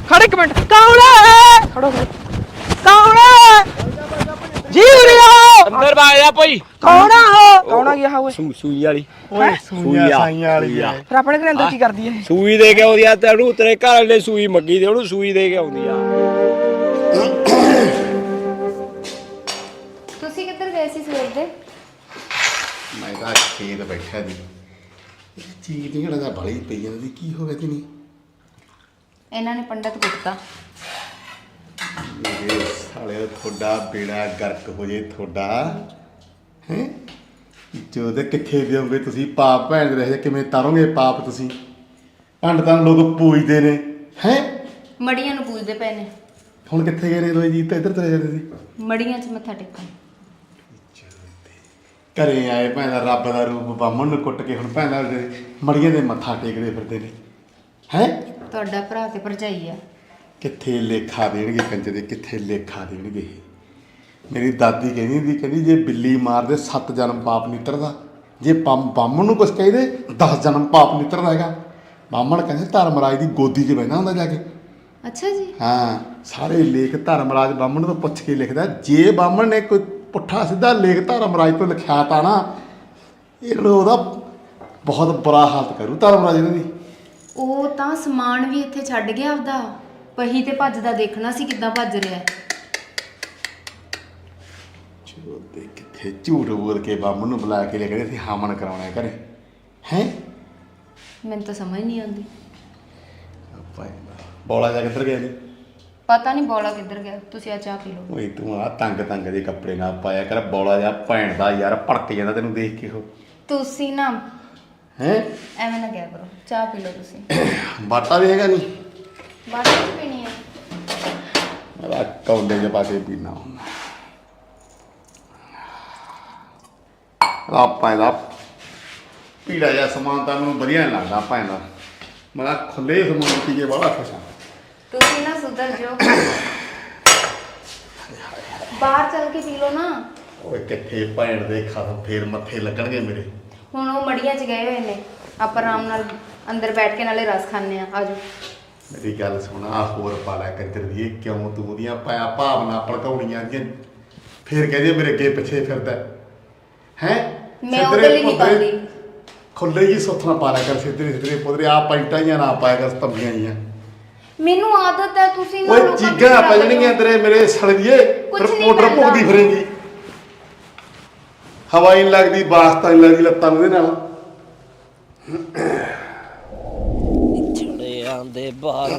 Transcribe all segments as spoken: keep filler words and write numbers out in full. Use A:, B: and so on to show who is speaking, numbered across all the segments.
A: खड़े एक मिनट कौन है खड़ो कौन है जी उरे आओ
B: अंदर भाग जा भाई
A: कौन है हो कौन आ गया ओए
B: ਸੂਈ ਵਾਲੀ
C: ਓਏ ਸੂਈਆਂ ਸਾਈਆਂ ਵਾਲੀ ਆ
A: फिर अपने घर अंदर की कर दिए
B: ਸੂਈ ਦੇ ਕੇ ਆਉਂਦੀ ਆ ਤੈਨੂੰ ਤੇਰੇ ਘਰ ਵਾਲੇ ਸੂਈ ਮੰਗੀ ਤੇ ਉਹਨੂੰ ਸੂਈ ਦੇ ਕੇ ਆਉਂਦੀ ਆ
D: ਤੁਸੀਂ ਕਿੱਧਰ ਗਏ ਸੀ ਸਵੇਰ ਦੇ
C: ਮੈਂ ਤਾਂ ਖੇਤ ਬੈਠਾ ਦੀ ਇਹ ਚੀਜ਼ ਦੀ ਜਿਹੜਾ ਬੜੀ ਪਈ ਜਾਂਦੀ ਕੀ ਹੋ ਗਿਆ ਤੀ ਨਹੀਂ
D: ਇਹਨਾਂ ਨੇ ਪੰਡਤ ਕੁੱਟਤਾ
C: ਮੇਰੇ ਸਾਲੇ ਤੁਹਾਡਾ ਬੇੜਾ ਗਰਕ ਹੋ ਜੇ ਤੁਹਾਡਾ ਹੈ ਜੋ ਦੇ ਕਿੱਥੇ ਦਿਓਗੇ ਤੁਸੀਂ ਪਾਪ ਭੈਣ ਦੇ ਰਹੇ ਕਿਵੇਂ ਤਾਰੋਗੇ ਪਾਪ ਤੁਸੀਂ ਪੰਡਤਾਂ ਨੂੰ ਲੋਕ ਪੂਜਦੇ ਨੇ ਹੈ
D: ਮੜੀਆਂ ਨੂੰ ਪੂਜਦੇ ਪਏ ਨੇ
C: ਹੁਣ ਕਿੱਥੇ ਗਏ ਨੇ ਦੋਏ ਜੀ ਤਾਂ ਇੱਧਰ ਤੁਰੇ ਜਾਂਦੇ ਸੀ
D: ਮੜੀਆਂ 'ਚ ਮੱਥਾ ਟੇਕਣ
C: ਘਰੇ ਆਏ ਭੈਣ ਦਾ ਰੱਬ ਦਾ ਰੂਪ ਬਾਹਮਣ ਨੂੰ ਕੁੱਟ ਕੇ ਹੁਣ ਭੈਣ ਦਾ ਮੜੀਆਂ ਦੇ ਮੱਥਾ ਟੇਕਦੇ ਫਿਰਦੇ ਨੇ ਹੈ
D: ਤੁਹਾਡਾ ਭਰਾ ਤੇ ਭਰਜਾਈ ਆ
C: ਕਿੱਥੇ ਲੇਖਾ ਦੇਣਗੇ ਕੰਜਰ ਦੇ ਕਿੱਥੇ ਲੇਖਾ ਦੇਣਗੇ ਮੇਰੀ ਦਾਦੀ ਕਹਿੰਦੀ ਹੁੰਦੀ ਕਹਿੰਦੀ ਜੇ ਬਿੱਲੀ ਮਾਰਦੇ ਸੱਤ ਜਨਮ ਪਾਪ ਨਿੱਤਰਦਾ ਜੇ ਪੰਮ ਬਾਹਮਣ ਨੂੰ ਕੁਛ ਕਹੀਦੇ ਦਸ ਜਨਮ ਪਾਪ ਨਿੱਤਰਦਾ ਹੈਗਾ ਬਾਹਮਣ ਕਹਿੰਦੇ ਧਰਮਰਾਜ ਦੀ ਗੋਦੀ 'ਚ ਬਹਿਣਾ ਹੁੰਦਾ ਜਾ ਕੇ
D: ਅੱਛਾ ਜੀ
C: ਹਾਂ ਸਾਰੇ ਲੇਖ ਧਰਮਰਾਜ ਬਾਹਮਣ ਤੋਂ ਪੁੱਛ ਕੇ ਲਿਖਦਾ ਜੇ ਬਾਹਮਣ ਨੇ ਕੋਈ ਪੁੱਠਾ ਸਿੱਧਾ ਲੇਖ ਧਰਮਰਾਜ ਤੋਂ ਲਿਖਿਆ ਤਾਂ ਨਾ ਇਹਨੂੰ ਉਹਦਾ ਬਹੁਤ ਬੁਰਾ ਹਾਲਤ ਕਰੂ ਧਰਮਰਾਜ ਇਹਨਾਂ ਦੀ
D: ਉਹ ਤਾਂ ਸਮਾਨ ਵੀ ਇੱਥੇ ਛੱਡ ਗਿਆ ਆਪਦਾ ਪਹੀ ਤੇ ਭੱਜਦਾ ਦੇਖਣਾ ਸੀ ਕਿੱਦਾਂ ਭੱਜ ਰਿਹਾ
C: ਚੋਦੇ ਕਿੱਥੇ ਝੂਠ ਬੋਲ ਕੇ ਬਾਹਮਣ ਨੂੰ ਬੁਲਾ ਕੇ ਲੈ ਕੇ ਅਸੀਂ ਹਾਮਣ ਕਰਾਉਣਾ ਹੈ ਘਰੇ ਹੈ
D: ਮੈਨੂੰ ਤਾਂ ਸਮਝ ਨਹੀਂ ਆਉਂਦੀ
C: ਆਪਾਂ ਬੋਲਾ ਜਾ ਕਿੱਧਰ ਗਿਆ ਜੀ
D: ਪਤਾ ਨਹੀਂ ਬੋਲਾ ਕਿੱਧਰ ਗਿਆ ਤੁਸੀਂ ਆ ਚਾਹ ਪੀ ਲਓ
C: ਓਏ ਤੂੰ ਆ ਤੰਗ ਤੰਗ ਦੇ ਕੱਪੜੇ ਨਾ ਪਾਇਆ ਕਰ ਬੋਲਾ ਜਾ ਭੈਣ ਦਾ ਯਾਰ ਭੜਕ ਜਾਂਦਾ ਤੈਨੂੰ ਦੇਖ ਕੇ ਉਹ
D: ਤੁਸੀਂ ਨਾ
C: ਹੈ
D: ਐਵੇਂ ਨਾ ਕਿਹਾ ਕਰੋ ਚਾਹ ਪੀ ਲਓ ਤੁਸੀਂ
C: ਬਾਟਾ ਵੀ ਹੈਗਾ ਨਹੀਂ
D: ਬਾਅਦ ਵਿੱਚ ਪੀਣੀ ਹੈ
C: ਮੇਰਾ ਕੌਂਡੇ ਦੇ ਪਾ ਕੇ ਪੀਣਾ ਹੁੰਦਾ ਆਪਾਂ ਇਹਦਾ ਪੀੜਾ ਜਿਹਾ ਸਮਾਨ ਤਾਂ ਮੈਨੂੰ ਵਧੀਆ ਨਹੀਂ ਲੱਗਦਾ ਆਪਾਂ ਇਹਦਾ ਮੈਂ ਖੁੱਲੇ ਸਮਾਨ ਪੀ ਕੇ ਬੜਾ ਖੁਸ਼ ਹਾਂ
D: ਤੁਸੀਂ ਨਾ ਸੁਧਰ ਜਾਓ ਬਾਹਰ ਚੱਲ ਕੇ ਪੀ ਲਓ ਨਾ
C: ਓਏ ਕਿੱਥੇ ਭੈਣ ਦੇ ਖਾਸ ਫੇਰ ਮੱਥੇ ਲੱਗਣਗੇ ਮੇਰੇ
D: ਹੁਣ ਉਹ ਮੜੀਆਂ 'ਚ ਗਏ ਹੋਏ ਨੇ ਆਪਾਂ ਆਰਾਮ ਨਾਲ ਅੰਦਰ ਬੈਠ ਕੇ ਨਾਲੇ ਰਸ ਖਾਣੇ ਆ ਆਜੋ
C: ਮੇਰੀ ਗੱਲ ਸੁਣ ਆ ਹੋਰ ਪਾਲਾ ਕੰਜਰ ਦੀ ਇਹ ਕਿਉਂ ਤੂੰ ਉਹਦੀਆਂ ਪਾਇਆ ਭਾਵਨਾ ਭੜਕਾਉਣੀਆਂ ਦੀਆਂ ਫੇਰ ਕਹਿੰਦੇ ਮੇਰੇ ਅੱਗੇ ਪਿੱਛੇ ਫਿਰਦਾ ਹੈ
D: ਮੈਂ ਉਹਦੇ ਲਈ ਨਹੀਂ ਪਾਉਂਦੀ
C: ਖੁੱਲੇ ਜੀ ਸੁੱਥਣਾ ਪਾਲਾ ਕਰ ਸਿੱਧਰੇ ਸਿੱਧਰੇ ਪੁੱਤਰੇ ਆ ਪੈਂਟਾਂ ਜਾਂ ਨਾ ਪਾਇਆ ਕਰ ਤੰਬੀਆਂ ਜੀਆਂ
D: ਮੈਨੂੰ ਆਦਤ ਹੈ ਤੁਸੀਂ ਨਾ
C: ਓਏ
D: ਲੋਕਾਂ ਦੀ
C: ਚੀਗਾਂ
D: ਖਰਾਬ
C: ਪਜਣੀਆਂ ਤੇਰੇ ਮੇਰੇ ਸੜੀਏ
D: ਕੁਛ
C: ਫਿਰ
D: ਨਹੀਂ
C: ਮੋਟਰ
D: ਪੈਂਦਾ।
C: ਭੁਗਦੀ ਫਿਰੇਂਗੀ ਹਵਾ ਹੀ ਨਹੀਂ ਲੱਗਦੀ ਬਾਸਤਾ ਨਹੀਂ ਲੱਗਦੀ ਲੱਤਾਂ ਨੂੰ ਇਹਦੇ ਨਾਲ
B: ਛੜਿਆਂ ਦੇ ਬਾਹਰ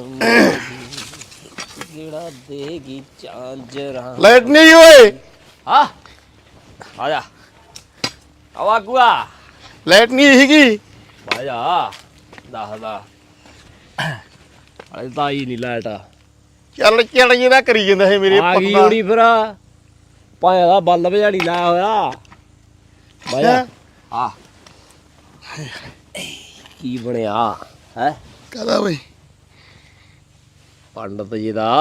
B: ਜਿਹੜਾ ਦੇਗੀ ਚਾਂਜਰਾਂ
C: ਲਾਈਟ ਨਹੀਂ ਓਏ
B: ਹਾਂ ਆ ਜਾ ਆਵਾ ਗੁਆ
C: ਲਾਈਟ ਨਹੀਂ ਹੈਗੀ
B: ਆ ਜਾ ਦੱਸਦਾ ਅਰੇ ਤਾਂ ਹੀ ਨਹੀਂ ਲਾਈਟ ਆ
C: ਚੱਲ ਚੱਲ ਜਿਹਦਾ ਕਰੀ ਜਾਂਦਾ ਹੈ ਮੇਰੇ
B: ਗਈ
C: ਪੁੱਤ ਦਾ
B: ਹੋਣੀ ਫਿਰ ਭਾਇਆ ਦਾ ਬਲਬ ਝਾੜੀ ਲਾਇਆ ਹੋਇਆ ਬਾਇਆ ਆ ਕੀ ਬਣਿਆ ਹੈ
C: ਕਹਦਾ ਓਏ
B: ਪੰਡਤ ਜੀ ਦਾ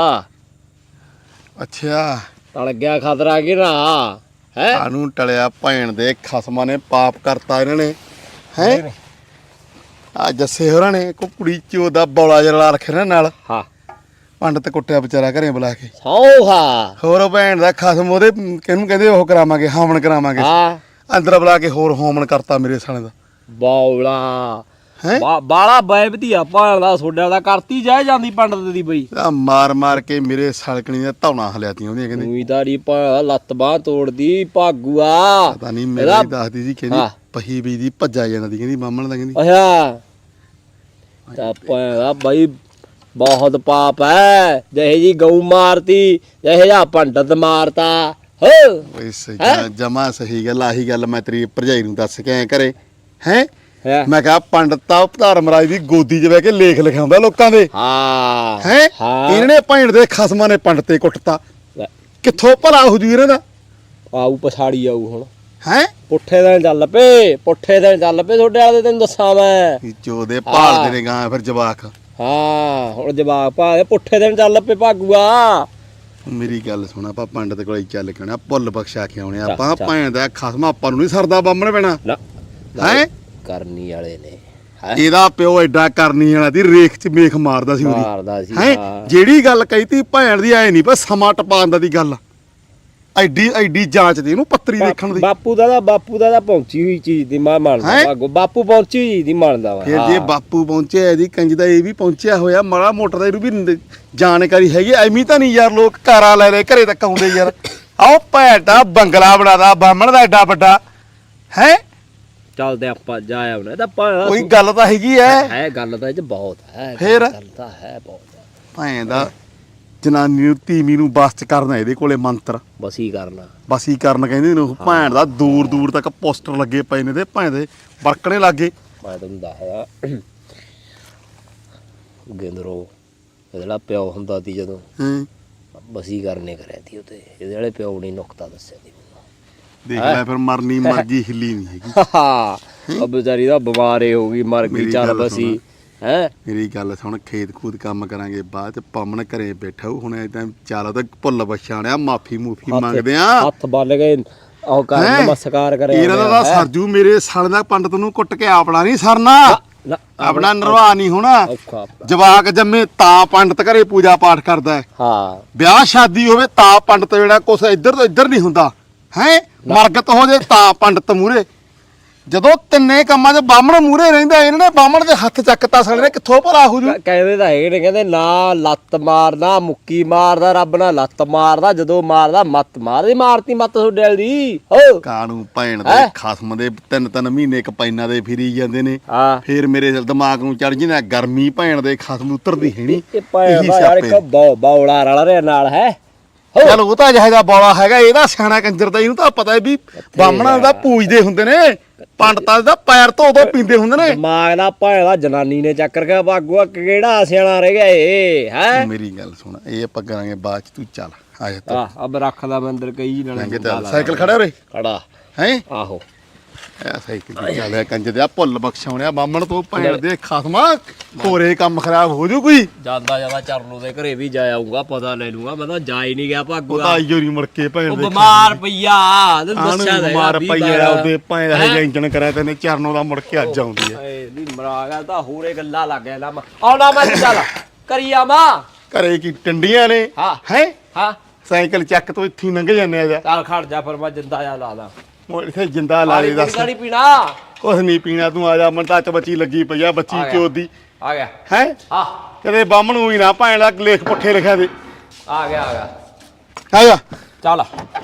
C: ਅੱਛਾ
B: ਤਲ ਗਿਆ ਖਤਰਾ ਕਿ ਨਾ ਹੈ
C: ਸਾਨੂੰ ਟਲਿਆ ਭੈਣ ਦੇ ਖਸਮਾਂ ਨੇ ਪਾਪ ਕਰਤਾ ਇਹਨਾਂ ਨੇ ਹੈ ਆ ਜੱਸੇ ਹੋਰਾਂ ਨੇ ਕੋ ਕੁੜੀ ਚੋ ਦਾ ਬੌਲਾ ਜਿਹਾ ਲਾ ਰੱਖਿਆ ਨਾ ਨਾਲ
B: ਹਾਂ
C: ਪੰਡਤ ਕੁੱਟਿਆ ਵਿਚਾਰਾ ਘਰੇ ਬੁਲਾ ਕੇ
B: ਸੌਹਾ
C: ਹੋਰ ਉਹ ਭੈਣ ਦਾ ਖਸਮ ਉਹਦੇ ਕਿਹਨੂੰ ਕਹਿੰਦੇ ਉਹ ਕਰਾਵਾਂਗੇ ਹਾਮਣ ਕਰਾਵਾਂਗੇ
B: ਹਾਂ
C: ਅੰਦਰ ਬੁਲਾ ਕੇ ਹੋਰ ਹੋਮਣ ਕਰਤਾ ਮੇਰੇ ਸਾਲੇ ਦਾ
B: ਬੌਲਾ
C: ਹੈ
B: ਬਾਲਾ ਬੈ ਵਧੀਆ ਭਾਣ ਦਾ ਸੋਡਿਆ ਦਾ ਕਰਤੀ ਜਾਏ ਜਾਂਦੀ ਪੰਡਤ ਦੀ ਬਈ
C: ਆ ਮਾਰ ਮਾਰ ਕੇ ਮੇਰੇ ਸਲਕਣੀ ਦੀਆਂ ਧੌਣਾ ਹਲਿਆਤੀਆਂ ਉਹਦੀਆਂ ਕਹਿੰਦੇ
B: ਉਹੀ ਤਾਰੀ ਭਾਣ ਲੱਤ ਬਾਹ ਤੋੜਦੀ ਭਾਗੂਆ
C: ਪਤਾ ਨਹੀਂ ਮੇਰੇ ਹੀ ਦੱਸਦੀ ਸੀ ਕਹਿੰਦੀ ਪਹੀ ਵੀ ਦੀ ਭੱਜਾ ਜਾਂਦੀ ਕਹਿੰਦੀ ਮਾਮਣ ਦਾ ਕਹਿੰਦੀ
B: ਅੱਛਾ ਤਾਂ ਭਾਣ ਦਾ ਬਈ ਬਹੁਤ ਪਾਪ ਹੈ ਜਿਹੇ ਜੀ ਗਊ ਮਾਰਤੀ ਜਿਹੇ ਜਾ ਪੰਡਤ ਮਾਰਤਾ ਹੋ
C: ਓਏ ਸਹੀ ਜਮਾ ਸਹੀ ਗੱਲ ਆਹੀ ਗੱਲ ਮੈਂ ਤੇਰੀ ਭਰਜਾਈ ਨੂੰ ਦੱਸ ਕੇ ਆਇਆ ਘਰੇ ਹੈ ਮੈਂ ਕਿਹਾ ਪੰਡਤਾ ਧਰਮਰਾਜ ਦੀ ਗੋਦੀ 'ਚ ਬਹਿ ਕੇ ਲੇਖ ਲਿਖਾਉਂਦਾ ਲੋਕਾਂ ਦੇ
B: ਹਾਂ
C: ਹੈ ਇਹਨਾਂ ਨੇ ਭੈਣ ਦੇ ਖਸਮਾਂ ਨੇ ਪੰਡਤੇ ਕੁੱਟਤਾ ਕਿੱਥੋਂ ਭਲਾ ਹੋ ਜੂ ਇਹਨਾਂ ਦਾ
B: ਆਊ ਪਛਾੜੀ ਆਊ ਹੁਣ
C: ਹੈ
B: ਪੁੱਠੇ ਦਿਨ ਚੱਲ ਪਏ ਪੁੱਠੇ ਦਿਨ ਚੱਲ ਪਏ ਤੁਹਾਡੇ ਵਾਲੇ ਤੈਨੂੰ ਦੱਸਾਂ ਮੈਂ
C: ਜੋ ਦੇ ਭਾਲਦੇ ਨੇ ਗਾਂ ਫਿਰ ਜਵਾਕ
B: ਹਾਂ ਹੁਣ ਜਵਾਕ ਭਾਲੇ ਪੁੱਠੇ ਦਿਨ ਚੱਲ ਪਏ ਭਾਗੂਆ
C: ਮੇਰੀ ਗੱਲ ਸੁਣ ਆਪਾਂ ਪੰਡਤ ਕੋਲੇ ਚੱਲ ਕੇ ਆਉਣਾ ਭੁੱਲ ਬਖਸ਼ਾ ਕੇ ਆਉਣੇ ਆਪਾਂ ਭੈਣ ਦਾ ਖਸਮ ਆਪਾਂ ਨੂੰ ਨਹੀਂ ਸਰਦਾ ਬੰਮਣ ਪੈਣਾ
B: ਨਾ
C: ਹੈ
B: ਕਰਨੀ ਵਾਲੇ ਨੇ
C: ਇਹਦਾ ਪਿਓ ਐਡਾ ਕਰਨੀ ਵਾਲਾ ਦੀ ਰੇਖ ਚ ਮੇਖ ਮਾਰਦਾ ਸੀ ਉਹਦੀ
B: ਮਾਰਦਾ ਸੀ
C: ਹੈ
B: ਹਾਂ।
C: ਜਿਹੜੀ ਗੱਲ ਕਹੀਤੀ ਭੈਣ ਦੀ ਐ ਨਹੀਂ ਪਰ ਸਮਾਂ ਟਪਾਉਣ ਦਾ ਦੀ ਗੱਲ ਐਡੀ ਐਡੀ ਜਾਂਚ ਦੀ ਇਹਨੂੰ ਪੱਤਰੀ ਦੇਖਣ ਦੀ
B: ਬਾਪੂ ਦਾ ਤਾਂ ਬਾਪੂ ਦਾ ਤਾਂ ਪਹੁੰਚੀ ਹੋਈ ਚੀਜ਼ ਦੀ ਮੈਂ ਮੰਨਦਾ
C: ਹੈਂ?
B: ਵਾ ਬਾਪੂ ਪਹੁੰਚੀ ਹੋਈ ਚੀਜ਼ ਦੀ ਮੰਨਦਾ ਵਾ
C: ਫਿਰ
B: ਹਾਂ।
C: ਜੇ ਬਾਪੂ ਪਹੁੰਚਿਆ ਇਹਦੀ ਕੰਜ ਦਾ ਇਹ ਵੀ ਪਹੁੰਚਿਆ ਹੋਇਆ ਮਾੜਾ ਮੋਟਰ ਦਾ ਇਹਨੂੰ ਵੀ ਨ- ਜਾਣਕਾਰੀ ਹੈਗੀ ਐਵੇਂ ਤਾਂ ਨਹੀਂ ਯਾਰ ਲੋਕ ਕਾਰਾਂ ਲੈ ਲੈ ਘਰੇ ਤੱਕ ਆਉਂਦੇ ਯਾਰ ਆਓ ਭੈਣ ਦਾ ਬੰਗਲਾ ਬਣਾਦਾ ਬਾਹਮਣ ਦਾ ਐਡਾ ਵੱਡਾ ਹੈ
B: ਚੱਲਦੇ ਆਪਾਂ ਜਾ ਆਉਣਾ ਇਹਦਾ ਭਾਣਾ
C: ਕੋਈ ਗੱਲ ਤਾਂ ਹੈਗੀ ਐ
B: ਹੈ ਗੱਲ ਤਾਂ ਇਹ ਚ ਬਹੁਤ ਹੈ
C: ਫਿਰ?
B: ਗੱਲ ਤਾਂ ਹੈ ਬਹੁਤ
C: ਭੈਣ ਦਾ ਜਨਾਨੀ ਨੂੰ ਤੀਵੀਂ ਨੂੰ ਬਸ ਚ ਕਰਨਾ ਇਹਦੇ ਕੋਲੇ ਮੰਤਰ
B: ਬਸ ਹੀ ਕਰਨਾ
C: ਬਸ ਹੀ ਕਰਨ ਕਹਿੰਦੇ ਨੇ ਉਹ ਭੈਣ ਦਾ ਦੂਰ ਦੂਰ ਤੱਕ ਪੋਸਟਰ ਲੱਗੇ ਪਏ ਨੇ ਤੇ ਭੈਣ ਦੇ ਵਰਕਣੇ ਲੱਗੇ
B: ਮੈਂ ਤੁਹਾਨੂੰ ਦੱਸਦਾ ਗਿੰਦਰੋ ਇਹਦਾ ਪਿਓ ਹੁੰਦਾ ਸੀ ਜਦੋਂ
C: ਹਾਂ
B: ਬਸੀ ਕਰਨੇ ਕਰਿਆ ਸੀ ਉਤੇ ਇਹਦੇ ਵਾਲੇ ਪਿਓ ਨੇ ਨੁਕਤਾ ਦੱਸਿਆ ਸੀ
C: ਦੇਖ ਲੈ ਫਿਰ ਮਰਨੀ ਮਰਜੀ ਹਿੱਲੀ ਨਹੀਂ ਹੈਗੀ
B: ਹਾਂ ਉਹ ਵਿਚਾਰੀ ਦਾ ਬਿਮਾਰੇ ਹੋ ਗਈ ਮਰ ਗਈ
C: ਮੇਰੀ
B: ਚੱਲ
C: ਗੱਲ
B: ਬਸੀ ਹੈ
C: ਮੇਰੀ ਗੱਲ ਸੁਣ ਖੇਤ ਖੂਦ ਕੰਮ ਕਰਾਂਗੇ ਬਾਅਦ ਚ ਪਮਨ ਘਰੇ ਬੈਠਾ ਹੋਊ, ਹੁਣ ਇਦਾਂ ਚਾਲੋ ਤਾਂ ਭੁੱਲ ਬਛਾਣਿਆ ਮਾਫੀ ਮੂਫੀ ਮੰਗਦੇ ਆ
B: ਹੱਥ ਬੰਨ ਗਏ ਉਹ ਕਰ
C: ਹੈਂ?
B: ਨਮਸਕਾਰ ਕਰਿਆ
C: ਇਹਨਾਂ ਦਾ ਤਾਂ ਸਰਜੂ ਮੇਰੇ ਸਾਲ ਦਾ ਪੰਡਤ ਨੂੰ ਕੁੱਟ ਕੇ ਆਪਣਾ ਨਹੀਂ ਸਰਨਾ
B: ਨਾ,
C: ਆਪਣਾ ਨਿਰਵਾਹ ਨਹੀਂ ਹੋਣਾ
B: ਔਖਾ
C: ਜਵਾਕ ਜੰਮੇ ਤਾਂ ਪੰਡਤ ਘਰੇ ਪੂਜਾ ਪਾਠ ਕਰਦਾ ਹੈ
B: ਹਾਂ
C: ਵਿਆਹ ਸ਼ਾਦੀ ਹੋਵੇ ਤਾਂ ਪੰਡਤ ਜਿਹੜਾ ਕੁਛ ਇੱਧਰ ਤੋਂ ਇੱਧਰ ਨਹੀਂ ਹੁੰਦਾ ਹੈ ਮਰਗਤ ਹੋ ਜੇ ਤਾਂ ਪੰਡਤ ਮੂਰੇ ਜਦੋਂ ਤਿੰਨੇ ਕੰਮਾਂ 'ਚ ਬਾਹਮਣ ਮੂਰੇ ਰਹਿੰਦਾ ਇਹਨਾਂ ਨੇ ਬਾਹਮਣ ਦੇ ਹੱਥ ਚੱਕਤਾ ਸਾਲੇ ਨੇ ਕਿੱਥੋਂ ਭਲਾ ਹੋ ਜੂ
B: ਕਹਿੰਦੇ ਤਾਂ ਹੈਗੇ ਨੇ ਕਹਿੰਦੇ ਨਾ ਲੱਤ ਮਾਰਦਾ ਮੁੱਕੀ ਮਾਰਦਾ ਰੱਬ ਨਾਲ ਲੱਤ ਮਾਰਦਾ ਜਦੋਂ ਮਾਰਦਾ ਮੱਤ ਮਾਰਦੀ ਮਾਰਤੀ ਮੱਤ ਤੁਹਾਡੇ ਵਾਲੀ ਦੀ ਹੋ
C: ਕਾਣੂ ਭੈਣ ਦੇ
B: ਹੈਂ?
C: ਖਸਮ ਦੇ ਤਿੰਨ ਤਿੰਨ ਮਹੀਨੇ ਕਪੈਨਾਂ ਦੇ ਫਿਰੀ ਜਾਂਦੇ ਨੇ
B: ਹਾਂ
C: ਫੇਰ ਮੇਰੇ ਦਿਮਾਗ ਨੂੰ ਚੜ ਜਿੰਨਾ ਗਰਮੀ ਭੈਣ ਦੇ ਖਸਮ ਉਤਰਦੀ ਹੈਣੀ
B: ਇਹ ਪਾਇਆ ਦਾ ਯਾਰ ਇੱਕ ਬੌ ਬੌਲਾ ਰਲ ਰਿਹਾ ਨਾਲ ਹੈ
C: ਚਲ ਉਹ ਤਾਂ ਜਿਹੜਾ ਬੋਲਾ ਹੈਗਾ ਇਹਦਾ ਸਿਆਣਾ ਕੰਜਰ ਦਾ ਇਹਨੂੰ ਤਾਂ ਪਤਾ ਹੈ ਵੀ ਬਾਹਮਣਾਂ ਦਾ ਪੂਜਦੇ ਹੁੰਦੇ ਨੇ ਪੰਡਤਾਂ ਦਾ ਪੈਰ ਧੋ ਧੋ ਪੀਂਦੇ ਹੁੰਦੇ ਨੇ
B: ਦਿਮਾਗ ਦਾ ਭਾਇਆ ਦਾ ਜਨਾਨੀ ਨੇ ਚੱਕਰ ਕੇ ਬਾਗੂਆ ਕਿਹੜਾ ਸਿਆਣਾ ਰਹਿ ਗਿਆ ਇਹ ਹੈ
C: ਮੇਰੀ ਗੱਲ ਸੁਣ ਇਹ ਆਪਾਂ ਕਰਾਂਗੇ ਬਾਅਦ ਚ ਤੂੰ ਚੱਲ ਆ ਜਾ
B: ਆ ਅਬ ਰੱਖਦਾ ਮੈਂ ਅੰਦਰ ਕਈ
C: ਤੂੰ
B: ਨਾਲੇ
C: ਚੱਲ ਸਾਈਕਲ ਖੜਾ ਰੇ
B: ਖੜਾ
C: ਹੈ
B: ਆਹੋ
C: ਐ ਸਾਈਕਲ ਤੇ ਚੱਲਿਆ ਕੰਜਰ ਦੇ ਆ ਭੁੱਲ ਬਖਸ਼ਾਉਣਿਆ ਬਾਹਮਣ ਤੋਂ ਭੈਣ ਦੇ ਖਸਮਾ ਕੋਰੇ ਕੰਮ ਖਰਾਬ ਹੋ ਜੂ ਕੋਈ
B: ਜਾਂਦਾ ਜਾਂਦਾ ਚਰਨੂ ਦੇ ਘਰੇ ਵੀ ਜਾ ਆਉਂਗਾ ਪਤਾ ਲੈ ਲੂੰਗਾ ਮੈਂ ਤਾਂ ਜਾ ਹੀ ਨਹੀਂ ਗਿਆ
C: ਉਹ
B: ਭਾਗੂਆ
C: ਤਾਂ ਆਈਓ ਨਹੀਂ ਮੁੜ ਕੇ ਭੈਣ
B: ਉਹ
C: ਦੇ
B: ਬਿਮਾਰ ਪਈਆ ਤੈਨੂੰ
C: ਆਣ
B: ਦੱਸਿਆ ਤਾਂ
C: ਬਿਮਾਰ
B: ਹੈਗਾ,
C: ਪਈ
B: ਵੀਹ
C: ਆ
B: ਬਾਰਾਂ।
C: ਉਹਦੇ ਭਾਂ ਦਾ ਹੈ ਇੰਜਣ ਕਰਿਆ ਤੇ ਨੇ ਚਰਨੋਂ ਦਾ ਮੁੜ ਕੇ ਅੱਜ ਆਉਂਦੀ ਹੈ
B: ਏ ਨਹੀਂ ਮਰਾ ਗਿਆ ਤਾਂ ਹੋਰੇ ਗੱਲਾਂ ਲੱਗ ਗਿਆ ਨਾ ਆਉਣਾ ਮੈਂ ਚੱਲ ਕਰੀ ਆਵਾਂ
C: ਘਰੇ ਕੀ ਟੰਡੀਆਂ ਨੇ
B: ਹਾਂ
C: ਹੈ
B: ਹਾਂ
C: ਸਾਈਕਲ ਚੱਕ ਤੋਂ ਇੱਥੇ ਹੀ ਲੰਘ ਜਾਂਦੇ ਆ ਜਾ
B: ਚੱਲ ਖੜ ਜਾ ਫਿਰ ਮੈਂ ਜਿੰਦਾ ਜਾ ਲਾ ਦਾਂ
C: ਉਹ ਇੱਥੇ ਜਿੰਦਾ ਲਾ ਦੇ ਦੱਸ
B: ਪਾਣੀ ਪੀਣਾ
C: ਕੁਛ ਨਹੀਂ ਪੀਣਾ ਤੂੰ ਆ ਜਾ ਮਨ ਤਾਂ ਚ ਬੱਚੀ ਲੱਗੀ ਪਈ ਆ ਬੱਚੀ
B: ਆ ਗਿਆ।
C: ਚੋਦ ਦੀ
B: ਆ ਗਿਆ
C: ਹੈ
B: ਆ
C: ਕਦੇ ਬਾਹਮਣ ਨੂੰ ਹੀ ਨਾ ਭੈਣ ਦਾ ਲੇਖ ਪੁੱਠੇ ਲਿਖਿਆ ਦੇ
B: ਆ ਗਿਆ ਆ ਗਿਆ
C: ਆ ਜਾ
B: ਚੱਲ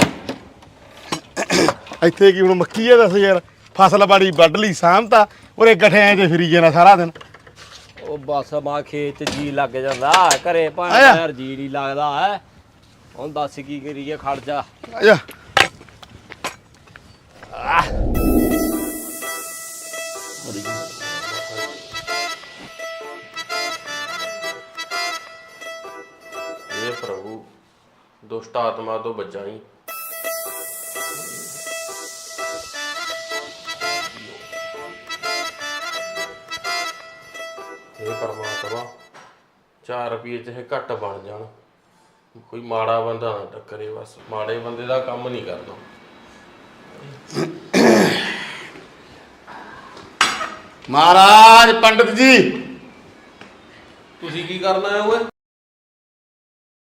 C: ਇੱਥੇ ਕੀ ਹੁਣ ਮੱਕੀ ਆ ਦੱਸ ਯਾਰ ਫਸਲ ਬਾੜੀ ਵੱਢ ਲਈ ਸਾਂਭਤਾ ਉਰੇ ਗਠਿਆਂ 'ਚ ਫਿਰੀ ਜਾਣਾ ਸਾਰਾ ਦਿਨ
B: ਉਹ ਬਸ ਮਾ ਖੇਤ ਚ ਜੀ ਲੱਗ ਜਾਂਦਾ ਘਰੇ ਭਾਂ
C: ਆਇਆ।
B: ਯਾਰ ਜੀ ਨਹੀਂ ਲੱਗਦਾ ਹੈ ਹੁਣ ਦੱਸ ਕੀ ਕਰੀਏ ਖੜ ਜਾ
C: ਆ ਜਾ
E: हे प्रभु दुष्ट आत्मा तो बचाई। हे परमात्मा चार रुपये चाहे घट बन जान कोई माड़ा बंदा ना टक्करे बस माड़े बंदे का काम नहीं करना।
C: महाराज पंडित जी
E: तुसी की करना है ओए?